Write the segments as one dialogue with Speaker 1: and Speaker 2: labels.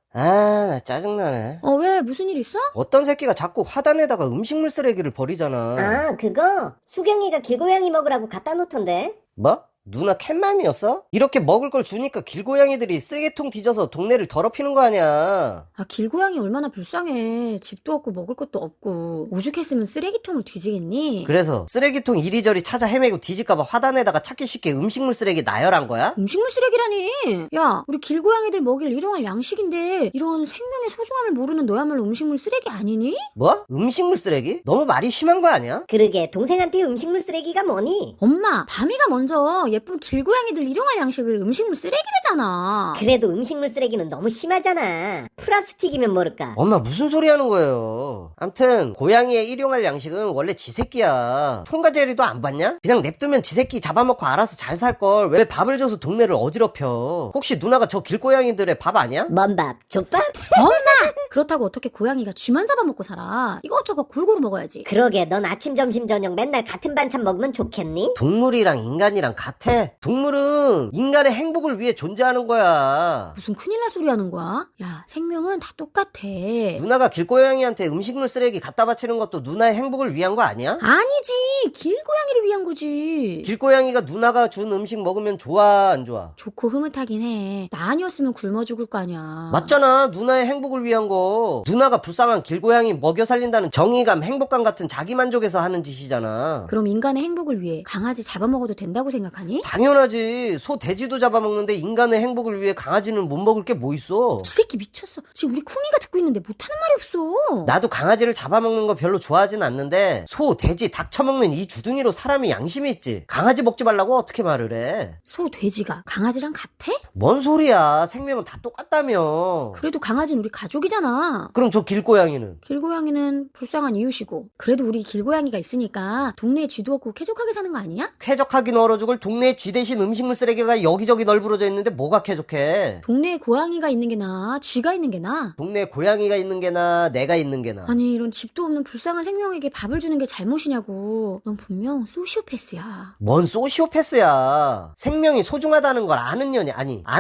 Speaker 1: 나 짜증나네.
Speaker 2: 왜? 무슨 일 있어?
Speaker 1: 어떤 새끼가 자꾸 화단에다가 음식물 쓰레기를 버리잖아.
Speaker 3: 아, 그거? 수경이가 길고양이 먹으라고 갖다 놓던데?
Speaker 1: 뭐? 누나 캣맘이었어? 이렇게 먹을 걸 주니까 길고양이들이 쓰레기통 뒤져서 동네를 더럽히는 거 아니야.
Speaker 2: 길고양이 얼마나 불쌍해. 집도 없고 먹을 것도 없고. 오죽했으면 쓰레기통을 뒤지겠니?
Speaker 1: 그래서 쓰레기통 이리저리 찾아 헤매고 뒤질까봐 화단에다가 찾기 쉽게 음식물 쓰레기 나열한 거야?
Speaker 2: 음식물 쓰레기라니. 야, 우리 길고양이들 먹일 일용할 양식인데 이런 생명의 소중함을 모르는 너야말로 음식물 쓰레기 아니니?
Speaker 1: 뭐? 음식물 쓰레기? 너무 말이 심한 거 아니야?
Speaker 3: 그러게, 동생한테 음식물 쓰레기가 뭐니?
Speaker 2: 엄마, 밤이가 먼저 예쁜 길고양이들 일용할 양식을 음식물 쓰레기래잖아.
Speaker 3: 그래도 음식물 쓰레기는 너무 심하잖아. 플라스틱이면 모를까.
Speaker 1: 엄마 무슨 소리 하는 거예요? 암튼 고양이의 일용할 양식은 원래 지 새끼야. 통과제리도 안 봤냐? 그냥 냅두면 지 새끼 잡아먹고 알아서 잘 살걸. 왜 밥을 줘서 동네를 어지럽혀? 혹시 누나가 저 길고양이들의 밥 아니야?
Speaker 3: 뭔 밥? 족밥?
Speaker 2: 엄마! 그렇다고 어떻게 고양이가 쥐만 잡아먹고 살아? 이것저것 골고루 먹어야지.
Speaker 3: 그러게, 넌 아침, 점심, 저녁 맨날 같은 반찬 먹으면 좋겠니?
Speaker 1: 동물이랑 인간이랑 같아. 동물은 인간의 행복을 위해 존재하는 거야.
Speaker 2: 무슨 큰일 날 소리 하는 거야? 야, 생명은 다 똑같아.
Speaker 1: 누나가 길고양이한테 음식물 쓰레기 갖다 바치는 것도 누나의 행복을 위한 거 아니야?
Speaker 2: 아니지. 길고양이를 위한 거지.
Speaker 1: 길고양이가 누나가 준 음식 먹으면 좋아 안 좋아?
Speaker 2: 좋고 흐뭇하긴 해. 나 아니었으면 굶어 죽을 거 아니야.
Speaker 1: 맞잖아. 누나의 행복을 위한 거. 누나가 불쌍한 길고양이 먹여 살린다는 정의감, 행복감 같은 자기만족에서 하는 짓이잖아.
Speaker 2: 그럼 인간의 행복을 위해 강아지 잡아먹어도 된다고 생각하니?
Speaker 1: 당연하지. 소, 돼지도 잡아먹는데 인간의 행복을 위해 강아지는 못 먹을 게 뭐 있어.
Speaker 2: 이 새끼 미쳤어. 지금 우리 쿵이가 듣고 있는데 못하는 말이 없어.
Speaker 1: 나도 강아지를 잡아먹는 거 별로 좋아하진 않는데 소, 돼지, 닭 처먹는 이 주둥이로 사람이 양심이 있지. 강아지 먹지 말라고 어떻게 말을 해?
Speaker 2: 소, 돼지가 강아지랑 같아?
Speaker 1: 뭔 소리야. 생명은 다 똑같다며.
Speaker 2: 그래도 강아지는 우리 가족이잖아.
Speaker 1: 그럼 저 길고양이는?
Speaker 2: 길고양이는 불쌍한 이웃이고. 그래도 우리 길고양이가 있으니까 동네에 쥐도 없고 쾌적하게 사는 거 아니야?
Speaker 1: 쾌적하긴 얼어 죽을 동네에 쥐 대신 음식물 쓰레기가 여기저기 널브러져 있는데 뭐가 쾌적해?
Speaker 2: 동네에 고양이가 있는 게 나아? 쥐가 있는 게 나아?
Speaker 1: 동네에 고양이가 있는 게 나아? 내가 있는 게 나아?
Speaker 2: 아니 이런 집도 없는 불쌍한 생명에게 밥을 주는 게 잘못이냐고. 넌 분명 소시오패스야.
Speaker 1: 뭔 소시오패스야. 생명이 소중하다는 걸 아는 년이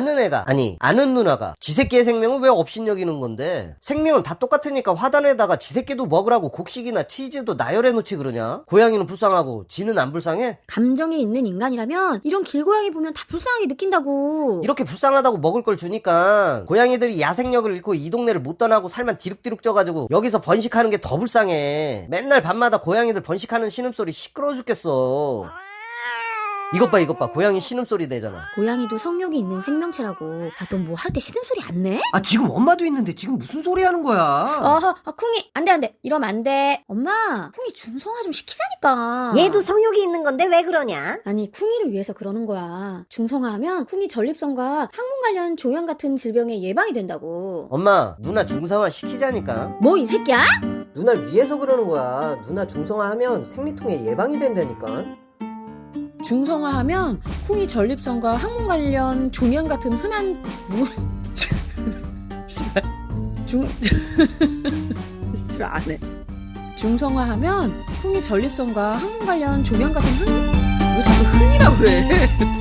Speaker 1: 아는 누나가 쥐새끼의 생명을 왜 업신여기는 건데? 생명은 다 똑같으니까 화단에다가 쥐새끼도 먹으라고 곡식이나 치즈도 나열해 놓지 그러냐? 고양이는 불쌍하고 쥐는 안 불쌍해?
Speaker 2: 감정이 있는 인간이라면 이런 길고양이 보면 다 불쌍하게 느낀다고.
Speaker 1: 이렇게 불쌍하다고 먹을 걸 주니까 고양이들이 야생력을 잃고 이 동네를 못 떠나고 살만 디룩디룩 쪄가지고 여기서 번식하는 게 더 불쌍해. 맨날 밤마다 고양이들 번식하는 신음소리 시끄러워 죽겠어. 이것 봐 고양이 신음소리 내잖아.
Speaker 2: 고양이도 성욕이 있는 생명체라고. 넌 뭐 할 때 신음소리 안 내?
Speaker 1: 지금 엄마도 있는데 지금 무슨 소리 하는 거야?
Speaker 2: 쿵이 안돼 이러면 안돼. 엄마, 쿵이 중성화 좀 시키자니까.
Speaker 3: 얘도 성욕이 있는 건데 왜 그러냐?
Speaker 2: 아니 쿵이를 위해서 그러는 거야. 중성화하면 쿵이 전립선과 항문 관련 조형 같은 질병의 예방이 된다고.
Speaker 1: 엄마, 누나 중성화 시키자니까.
Speaker 2: 뭐 이 새끼야?
Speaker 1: 누나를 위해서 그러는 거야. 누나 중성화하면 생리통에 예방이 된다니까.
Speaker 2: 중성화하면 쿵이 전립선과 항문 관련 종양 같은 흔한 씨발 씨발 안 해. 중성화하면 쿵이 전립선과 항문 관련 종양 같은 왜 자꾸 흔이라고 그래?